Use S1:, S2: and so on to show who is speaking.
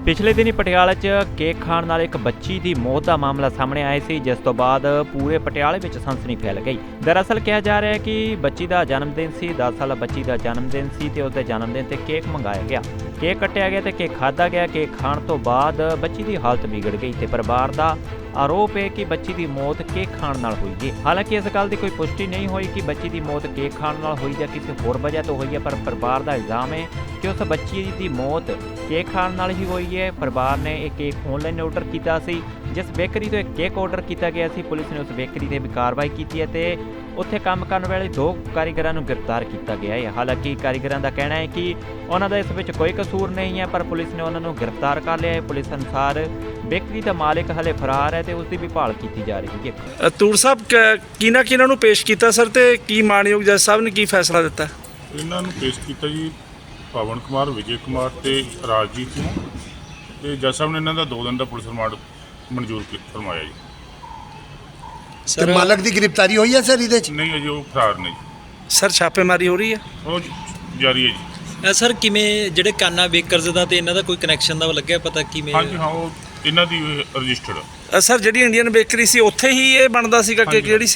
S1: ਪਿਛਲੇ ਦਿਨੀ ਪਟਿਆਲਾ 'ਚ ਕੇਕ ਖਾਣ ਨਾਲ ਇੱਕ ਬੱਚੀ ਦੀ ਮੌਤ ਦਾ ਮਾਮਲਾ ਸਾਹਮਣੇ ਆਇਆ ਸੀ, ਜਿਸ ਤੋਂ ਬਾਅਦ ਪੂਰੇ ਪਟਿਆਲੇ ਵਿੱਚ ਸਨਸਨੀ ਫੈਲ ਗਈ। ਦਰਅਸਲ ਕਿਹਾ ਜਾ ਰਿਹਾ ਹੈ ਕਿ ਬੱਚੀ ਦਾ ਜਨਮ ਦਿਨ ਸੀ, 10 ਸਾਲਾ ਬੱਚੀ ਦਾ ਜਨਮ ਦਿਨ ਸੀ ਤੇ ਉਸ ਦੇ ਜਨਮ ਦਿਨ ਤੇ ਕੇਕ ਮੰਗਾਇਆ ਗਿਆ, ਕੇਕ ਕੱਟਿਆ ਗਿਆ ਤੇ ਕੇਕ ਖਾਧਾ ਗਿਆ। ਕੇਕ ਖਾਣ ਤੋਂ ਬਾਅਦ ਬੱਚੀ ਦੀ ਹਾਲਤ ਵਿਗੜ ਗਈ ਤੇ ਪਰਿਵਾਰ ਦਾ ਆਰੋਪ ਹੈ ਕਿ ਬੱਚੀ ਦੀ ਮੌਤ ਕੇਕ ਖਾਣ ਨਾਲ ਹੋਈ ਹੈ। ਹਾਲਾਂਕਿ ਇਸ ਗੱਲ ਦੀ ਕੋਈ ਪੁਸ਼ਟੀ ਨਹੀਂ ਹੋਈ ਕਿ ਬੱਚੀ ਦੀ ਮੌਤ ਕੇਕ ਖਾਣ ਨਾਲ ਹੋਈ ਜਾਂ ਕਿਸੇ ਹੋਰ ਵਜ੍ਹਾ ਤੋਂ ਹੋਈ ਹੈ, ਪਰ ਪਰਿਵਾਰ ਦਾ ਇਲਜ਼ਾਮ ਹੈ ਕਿ ਉਸ ਬੱਚੀ ਦੀ ਮੌਤ ਕੇਕ ਖਾਣ ਨਾਲ ਹੀ ਹੋਈ ਹੈ। ਪਰਿਵਾਰ ਨੇ ਇਹ ਕੇਕ ਆਨਲਾਈਨ ਆਰਡਰ ਕੀਤਾ ਸੀ, ਜਿਸ ਬੇਕਰੀ ਤੋਂ ਇਹ ਕੇਕ ਆਰਡਰ ਕੀਤਾ ਗਿਆ ਸੀ। ਪੁਲਿਸ ਨੇ ਉਸ ਬੇਕਰੀ ਤੇ ਵੀ ਕਾਰਵਾਈ ਕੀਤੀ ਹੈ ਤੇ ਉੱਥੇ ਕੰਮ ਕਰਨ ਵਾਲੇ 2 ਕਾਰੀਗਰਾਂ ਨੂੰ ਗ੍ਰਿਫਤਾਰ ਕੀਤਾ ਗਿਆ ਹੈ। ਹਾਲਾਂਕਿ ਕਾਰੀਗਰਾਂ ਦਾ ਕਹਿਣਾ ਹੈ ਕਿ ਉਹਨਾਂ ਦਾ ਇਸ ਵਿੱਚ ਕੋਈ ਕਸੂਰ ਨਹੀਂ ਹੈ, ਪਰ ਪੁਲਿਸ ਨੇ ਉਹਨਾਂ ਨੂੰ ਗ੍ਰਿਫਤਾਰ ਕਰ ਲਿਆ ਹੈ। ਪੁਲਿਸ ਅਨੁਸਾਰ ਬੇਕਰੀ ਦਾ ਮਾਲਕ ਹਲੇ ਫਰਾਰ ਹੈ ਤੇ ਉਸ ਦੀ ਵੀ ਭਾਲ ਕੀਤੀ ਜਾ ਰਹੀ ਹੈ।
S2: ਤੂਰ ਸਾਹਿਬ ਕਿਹਨਾਂ ਨੂੰ ਪੇਸ਼ ਕੀਤਾ ਸਰ ਤੇ ਕੀ ਮਾਨਯੋਗ ਜੱਜ ਸਾਹਿਬ ਨੇ ਕੀ ਫੈਸਲਾ ਦਿੱਤਾ?
S3: ਇਹਨਾਂ ਨੂੰ ਪੇਸ਼ ਕੀਤਾ ਜੀ ਪਵਨ ਕੁਮਾਰ, ਵਿਜੇ ਕੁਮਾਰ ਤੇ ਰਾਜਜੀਤ ਨੂੰ, ਤੇ ਜੱਜ ਸਾਹਿਬ ਨੇ ਇਹਨਾਂ ਦਾ 2 ਦਿਨ ਦਾ ਪੁਲਿਸ ਰਿਮਾਂਡ ਮਨਜ਼ੂਰ ਫਰਮਾਇਆ ਜੀ।
S4: ਸਰ ਮਾਲਕ ਦੀ ਗ੍ਰਿਫਤਾਰੀ ਹੋਈ ਹੈ ਸਰ ਇਹਦੇ ਚ?
S3: ਨਹੀਂ ਅਜੇ ਉਹ ਫਰਾਰ ਨੇ ਜੀ,
S2: ਸਰ ਛਾਪੇਮਾਰੀ ਹੋ ਰਹੀ ਹੈ,
S3: ਉਹ ਜਾਰੀ ਹੈ ਜੀ।
S5: ਸਰ ਕਿਵੇਂ ਜਿਹੜੇ ਕਾਨਾ ਬੇਕਰਜ਼ ਦਾ ਤੇ ਇਹਨਾਂ ਦਾ ਕੋਈ ਕਨੈਕਸ਼ਨ ਦਾ ਲੱਗਿਆ ਪਤਾ ਕਿਵੇਂ?
S3: ਹਾਂਜੀ ਹਾਂ, ਉਹ ਇਹਨਾਂ ਦੀ ਰਜਿਸਟਰਡ।
S2: ਸਰ ਜਿਹੜੀ ਇੰਡੀਅਨ ਬੇਕਰੀ ਸੀ ਉੱਥੇ ਹੀ ਇਹ ਬਣਦਾ ਸੀਗਾ ਕਿ ਕਿਹੜੀ